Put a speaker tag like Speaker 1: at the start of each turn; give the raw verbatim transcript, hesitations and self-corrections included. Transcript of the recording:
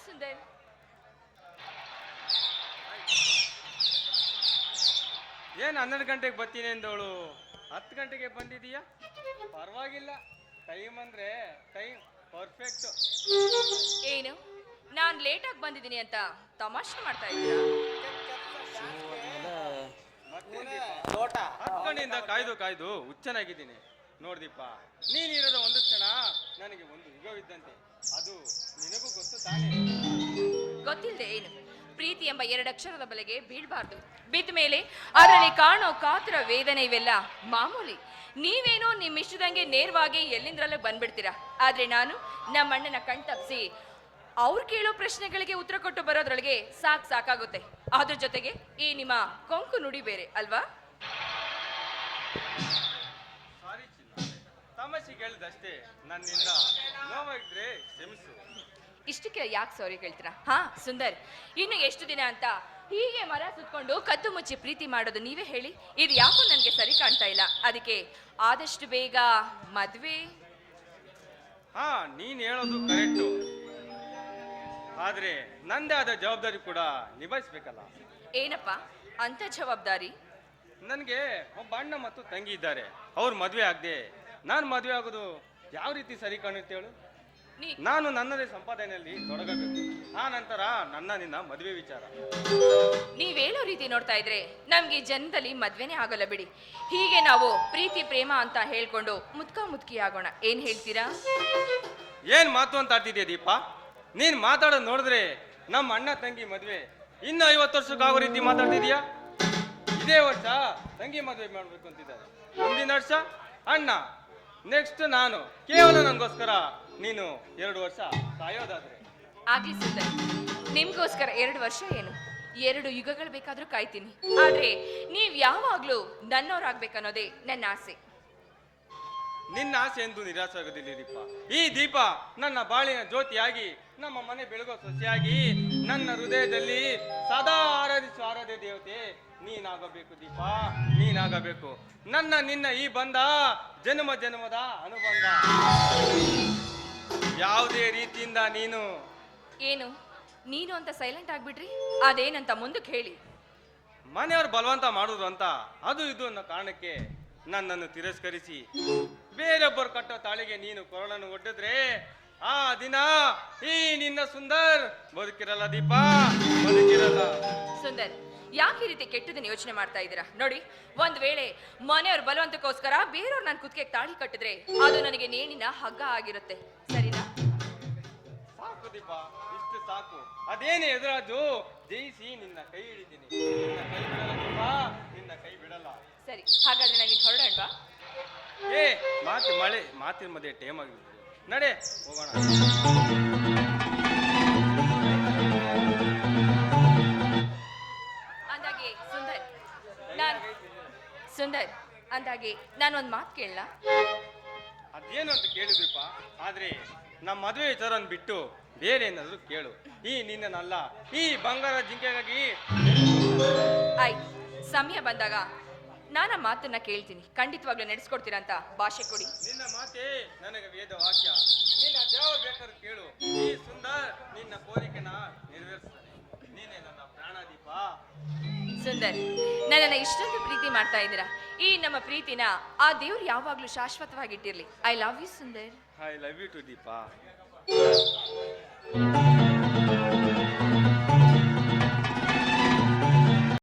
Speaker 1: ಸುಂದರ್.
Speaker 2: ಏನ್ ಹನ್ನೆರಡು ಗಂಟೆಗೆ ಬರ್ತೀನಿ ಅಂದವಳು ಹತ್ತು ಗಂಟೆಗೆ ಬಂದಿದೀಯಾ? ಪರವಾಗಿಲ್ಲ, ಟೈಮ್ ಅಂದ್ರೆ ಟೈಮ್ ಪರ್ಫೆಕ್ಟ್.
Speaker 1: ಏನು, ನಾನ್ ಲೇಟಾಗಿ ಬಂದಿದ್ದೀನಿ ಅಂತ ತಮಾಷೆ ಮಾಡ್ತಾ ಇದ್ದೀರಾ?
Speaker 2: ಹತ್ತು ಗಂಟೆಯಿಂದ ಕಾಯ್ದು ಕಾಯ್ದು ಹುಚ್ಚನಾಗಿದ್ದೀನಿ ನೋಡ್ದಿಪ್ಪ. ನೀನಿರೋದು ಒಂದು ಕ್ಷಣ ನನಗೆ ಒಂದು ಯುಗವಿದ್ದಂತೆ. ಅದು ನಿನಗೂ ಗೊತ್ತು ತಾನೇ?
Speaker 1: ಗೊತ್ತಿಲ್ಲದೆ ಏನು, ಪ್ರೀತಿ ಎಂಬ ಎರಡಕ್ಷರದ ಬಲೆಗೆ ಬೀಳ್ಬಾರ್ದು. ಬಿದ್ದ ಮೇಲೆ ಅದರಲ್ಲಿ ಕಾಣೋ ಕಾತರ ವೇದನೆ ಇವೆಲ್ಲ ಮಾಮೂಲಿ. ನೀವೇನೋ ನಿಮ್ಮ ಇಷ್ಟದಂಗೆ ನೇರವಾಗಿ ಎಲ್ಲಿಂದ್ರಲ್ಲೇ ಬಂದ್ಬಿಡ್ತೀರಾ. ಆದ್ರೆ ನಾನು ನಮ್ಮ ಅಣ್ಣನ ಕಣ್ ತಪ್ಪಿಸಿ ಅವ್ರು ಕೇಳೋ ಪ್ರಶ್ನೆಗಳಿಗೆ ಉತ್ತರ ಕೊಟ್ಟು ಬರೋದ್ರೊಳಗೆ ಸಾಕ್ ಸಾಕಾಗುತ್ತೆ. ಅದ್ರ ಜೊತೆಗೆ ಈ ನಿಮ್ಮ ಕೊಂಕು ನುಡಿ ಬೇರೆ ಅಲ್ವಾ?
Speaker 2: ಸಾರಿ ಚಿನ್ನ, ತಮಾಷೆಗೆ ಹೇಳಿದಷ್ಟೇ. ನನ್ನಿಂದ ನೋವಾಗಿದ್ರೆ ಕ್ಷಮಿಸು.
Speaker 1: ಇಷ್ಟಕ್ಕೆ ಯಾಕೆ ಸಾರಿ ಹೇಳ್ತೀರಾ? ಹಾ ಸುಂದರ್, ಇನ್ನು ಎಷ್ಟು ದಿನ ಅಂತ ಹೀಗೆ ಮರ ಸುತ್ಕೊಂಡು ಕದ್ದು ಮುಚ್ಚಿ ಪ್ರೀತಿ ಮಾಡೋದು? ನೀವೇ ಹೇಳಿ. ಇದು ಯಾಕೋ ನನಗೆ ಸರಿ ಕಾಣ್ತಾ ಇಲ್ಲ. ಅದಕ್ಕೆ ಆದಷ್ಟು ಬೇಗ ಮದ್ವೆ.
Speaker 2: ಹಾ, ನೀನ್ ಹೇಳೋದು ಕರೆಕ್ಟು. ಆದ್ರೆ ನಂದೇ ಆದ ಜವಾಬ್ದಾರಿ ಕೂಡ ನಿಭಾಯಿಸ್ಬೇಕಲ್ಲ.
Speaker 1: ಏನಪ್ಪ ಅಂತ ಜವಾಬ್ದಾರಿ?
Speaker 2: ನನಗೆ ಒಬ್ಬ ಅಣ್ಣ ಮತ್ತು ತಂಗಿ ಇದ್ದಾರೆ. ಅವ್ರು ಮದುವೆ ಆಗದೆ ನಾನು ಮದುವೆ ಆಗೋದು ಯಾವ ರೀತಿ ಸರಿ ಕಾಣುತ್ತೆ ಹೇಳು?
Speaker 1: ನೀ
Speaker 2: ನಾನು ನನ್ನದೇ ಸಂಪಾದನೆಯಲ್ಲಿ ತೊಡಗಬೇಕು. ಆ ನಂತರ ನನ್ನ ನಿನ್ನ ಮದುವೆ ವಿಚಾರ.
Speaker 1: ನೀವ್ ಹೇಳೋ ರೀತಿ ನೋಡ್ತಾ ಇದ್ರೆ ನಮ್ಗೆ ಈ ಜನ್ಮದಲ್ಲಿ ಮದ್ವೆನೇ ಆಗೋಲ್ಲ ಬಿಡಿ. ಹೀಗೆ ನಾವು ಪ್ರೀತಿ ಪ್ರೇಮ ಅಂತ ಹೇಳ್ಕೊಂಡು ಮುದ್ಕ ಮುದ್ಕಿ ಆಗೋಣ. ಏನ್ ಹೇಳ್ತೀರಾ?
Speaker 2: ಏನ್ ಮಾತು ಅಂತ ಆಡ್ತಿದ್ಯಾ ದೀಪ? ನೀನ್ ಮಾತಾಡೋದು ನೋಡಿದ್ರೆ ನಮ್ಮ ಅಣ್ಣ ತಂಗಿ ಮದುವೆ ಇನ್ನು ಐವತ್ತು ವರ್ಷಕ್ಕಾಗೋ ರೀತಿ ಮಾತಾಡ್ತಿದ್ಯಾ. ಇದೇ ವರ್ಷ ತಂಗಿ ಮದುವೆ ಮಾಡ್ಬೇಕು ಅಂತಿದ್ದಾರೆ, ಮುಂದಿನ ವರ್ಷ ಅಣ್ಣ, ನೆಕ್ಸ್ಟ್ ನಾನು. ಕೇವಲ ನನಗೋಸ್ಕರ ನೀನು ಎರಡು ವರ್ಷ ಕಾಯೋದಾದ್ರೆ
Speaker 1: ಆಗ್ಲಿ ಸುಂದರ್, ನಿಮ್ಗೋಸ್ಕರ ಎರಡು ವರ್ಷ ಏನು, ಎರಡು ಯುಗಗಳು ಬೇಕಾದ್ರೂ ಕಾಯ್ತೀನಿ. ಆದ್ರೆ ನೀವ್ ಯಾವಾಗ್ಲೂ ನನ್ನೋರಾಗ್ಬೇಕನ್ನೋದೇ ನನ್ನ ಆಸೆ.
Speaker 2: ನಿನ್ನ ಆಸೆ ಎಂದು ನಿರಾಸೆ ಆಗೋದಿಲ್ಲ ದೀಪ. ಈ ದೀಪ ನನ್ನ ಬಾಳಿನ ಜ್ಯೋತಿಯಾಗಿ, ನಮ್ಮ ಮನೆ ಬೆಳಗೋ ಸೊಸೆಯಾಗಿ, ನನ್ನ ಹೃದಯದಲ್ಲಿ ಸದಾ ಆರಾಧಿಸುವ ಆರಾಧ್ಯ ದೇವತೆ ನೀನಾಗಬೇಕು ದೀಪ, ನೀನಾಗಬೇಕು. ನನ್ನ ನಿನ್ನ ಈ ಬಂಧ ಜನ್ಮ ಜನ್ಮದ ಅನುಬಂಧ. ಯಾವುದೇ ರೀತಿಯಿಂದ ನೀನು
Speaker 1: ಏನು ನೀನು ಅಂತ ಸೈಲೆಂಟ್ ಆಗ್ಬಿಟ್ರಿ? ಅದೇನಂತ ಮುಂದಕ್ಕೆ ಹೇಳಿ.
Speaker 2: ಮನೆಯವರು ಬಲವಂತ ಮಾಡುದು ಅಂತ ಅದು ಇದು ಅನ್ನೋ ಕಾರಣಕ್ಕೆ ನನ್ನನ್ನು ತಿರಸ್ಕರಿಸಿ ಬೇರೊಬ್ಬರು ಕಟ್ಟೋ ತಾಳಿಗೆ ನೀನು ಕೊರಳನ್ನು ಒಡ್ಡಿದ್ರೆ ಆ ದಿನ ಈ ನಿನ್ನ ಸುಂದರ್ ಬದುಕಿರಲ್ಲ ದೀಪ, ಬದುಕಿರಲ್ಲ.
Speaker 1: ಸುಂದರ್, ಯಾಕೆ ಈ ರೀತಿ ಕೆಟ್ಟದನ್ನ ಯೋಚನೆ ಮಾಡ್ತಾ ಇದ್ದೀರಾ? ನೋಡಿ, ಒಂದ್ ವೇಳೆ ಮನೆಯವ್ರ ಬಲವಂತಕ್ಕೋಸ್ಕರ ಬೇರೆಯವ್ರು ನಾನು ಕುತ್ತಿಗೆ ತಾಳಿ ಕಟ್ಟಿದ್ರೆ ಅದು ನನಗೆ ನೇಣಿನ ಹಗ್ಗ ಆಗಿರುತ್ತೆ, ಸರಿನಾ?
Speaker 2: ಸಾಕು ದೀಪ, ಇಷ್ಟು ಸಾಕು. ಅದೇನೇ ಎದುರಾಜು ಜಯಿಸಿ ನಿನ್ನ ಕೈ ಹಿಡಿತೀನಿ. ನಿನ್ನ ಕೈ ಬಿಡಲ್ಲ ದೀಪ, ನಿನ್ನ ಕೈ ಬಿಡಲ್ಲ.
Speaker 1: ಸರಿ, ಹಾಗಾದ್ರೆ ನಾವಿನ್ ಹೊರಡೋಣವಾ?
Speaker 2: ಏ ಮಾತು ಮಳೆ ಮಾತಿನ ಮಧ್ಯೆ ಟೈಮ್ ಆಗಿದೆ, ನಡೆ ಹೋಗೋಣ.
Speaker 1: ಅಂದಾಗೆ ಸುಂದರ್ ನಾನ್ ಸುಂದರ್ ಅಂದಾಗೆ ನಾನು ಒಂದ್ ಮಾತು ಕೇಳಲ್ಲ?
Speaker 2: ಅದೇನು ಅಂತ ಕೇಳಿದ್ರಿಪ್ಪ, ಆದ್ರೆ ನಮ್ಮ ಮದುವೆ ವಿಚಾರ ಬಿಟ್ಟು ಬೇರೆ ಏನಾದ್ರು ಕೇಳು. ಈ ನಿನ್ನಲ್ಲ, ಈ ಬಂಗಾರ ಜಿಂಕೆಗಾಗಿ.
Speaker 1: ಆಯ್ತು, ಸಮಯ ಬಂದಾಗ ನಾನು ಆ ಮಾತನ್ನ ಕೇಳ್ತೀನಿ. ಖಂಡಿತವಾಗ್ಲೂ ನಡೆಸ್ಕೊಡ್ತೀರಾ ಅಂತ ಭಾಷೆ ಕೊಡಿ.
Speaker 2: ನಿನ್ನ ಮಾತೆ ನನಗೆ ವೇದ ವಾಕ್ಯ. ನಿನ್ನ ಯಾವ ಬೇಕಾದ್ರೂ ಕೇಳು, ಈ ಸುಂದರ್ ನಿನ್ನ ಕೋರಿಕೆನ ನೆರವೇರಿಸ್ತಾನೆ. ನೀನೇ ನನ್ನ ಪ್ರಾಣ ದೀಪ.
Speaker 1: ಸುಂದರ್, ನನ್ನನ್ನ ಇಷ್ಟೊಂದು ಪ್ರೀತಿ ಮಾಡ್ತಾ ಇದ್ದೀರಾ. ಈ ನಮ್ಮ ಪ್ರೀತಿನ ಆ ದೇವ್ರು ಯಾವಾಗ್ಲೂ ಶಾಶ್ವತವಾಗಿಟ್ಟಿರ್ಲಿ. I love you Sundar.
Speaker 2: I love you too Deepa.